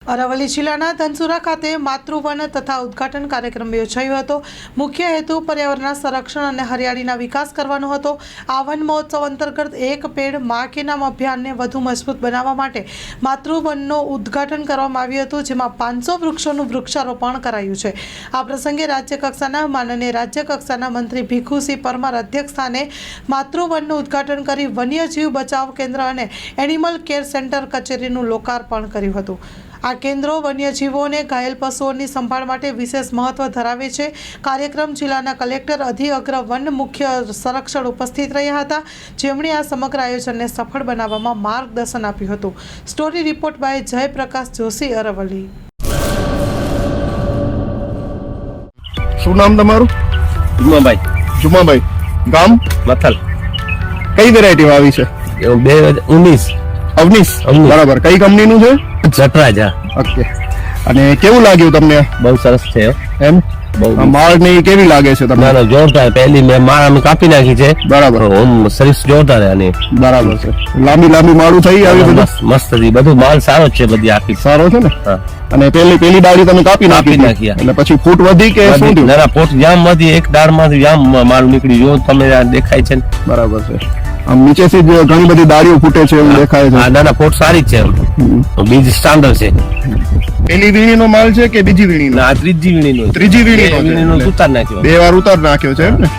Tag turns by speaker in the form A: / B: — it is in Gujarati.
A: અરવલ્લી જિલ્લાના ધનસુરા ખાતે માતૃવન તથા ઉદ્ઘાટન કાર્યક્રમ યોજાયો હતો। મુખ્ય હેતુ પર્યાવરણના સંરક્ષણ અને હરિયાળીના વિકાસ કરવાનો હતો। આ વન મહોત્સવ અંતર્ગત એક પેડ માં કે નામ અભિયાનને વધુ મજબૂત બનાવવા માટે માતૃવનનું ઉદ્ઘાટન કરવામાં આવ્યું હતું, જેમાં 500 વૃક્ષોનું વૃક્ષારોપણ કરાયું છે। આ પ્રસંગે રાજ્યકક્ષાના માનનીય રાજ્યકક્ષાના મંત્રી ભીખુસિંહ પરમાર અધ્યક્ષ સ્થાને માતૃવનનું ઉદ્ઘાટન કરી વન્યજીવ બચાવ કેન્દ્ર અને એનિમલ કેર સેન્ટર કચેરીનું લોકાર્પણ કર્યું હતું। આ કેન્દ્રો વન્યજીવોને ઘાયલ પશુઓની સંભાળ માટે વિશેષ મહત્વ ધરાવે છે। કાર્યક્રમ જિલ્લાના કલેક્ટર અધિઅગ્ર વન મુખ્ય સંરક્ષણ ઉપસ્થિત રહ્યા હતા, જેમણે આ સમગ્ર આયોજનને સફળ બનાવવામાં માર્ગદર્શન આપ્યું હતું। Story report by Jayprakash Joshi, Aravalli.
B: શું નામ તમારું? જુમાભાઈ, ગામ
C: મથલ।
B: કઈ વેરાયટી આવી છે?
C: 2019
B: અવનીશ, બરાબર। કઈ કંપનીનું છે?
C: જટરાજ।
B: ઓકે, અને કેવું લાગ્યું તમને?
C: બહુ સરસ છે
B: એમ?
C: બહુ
B: માળ ની કેવી લાગે છે તમને?
C: ના જોરદાર, પહેલી મેં માળ અમે કાપી નાખી છે,
B: બરાબર।
C: ઓમ સર્વિસ જોરદાર અને
B: બરાબર છે, લાંબી માળું થઈ આવી બધું
C: મસ્ત હતી, બધું માલ સારો છે, બધી આખી
B: સારો છે ને?
C: હા।
B: અને પેલી ડાળી તમે કાપી નાખી એટલે પછી ફૂટ વધી કે શું થયું?
C: ના પોટ જામ વધી, એક ડાળ માંથી જામ માલ નીકળી, જો તમે દેખાય છે ને?
B: બરાબર છે, આમ નીચેથી જ ઘણી બધી ડાળીઓ ફૂટે છે એવું દેખાય છે।
C: હા, ના પોટ સારી છે, બીજ સ્ટાન્ડર્ડ છે।
B: પેલી વીણીનો માલ છે કે બીજી વીણીનો?
C: ના ત્રીજી વીણીનો
B: ત્રીજી વીણીનો
C: ઉતાર નાખ્યો,
B: 2 વાર ઉતાર નાખ્યો છે એમ ને?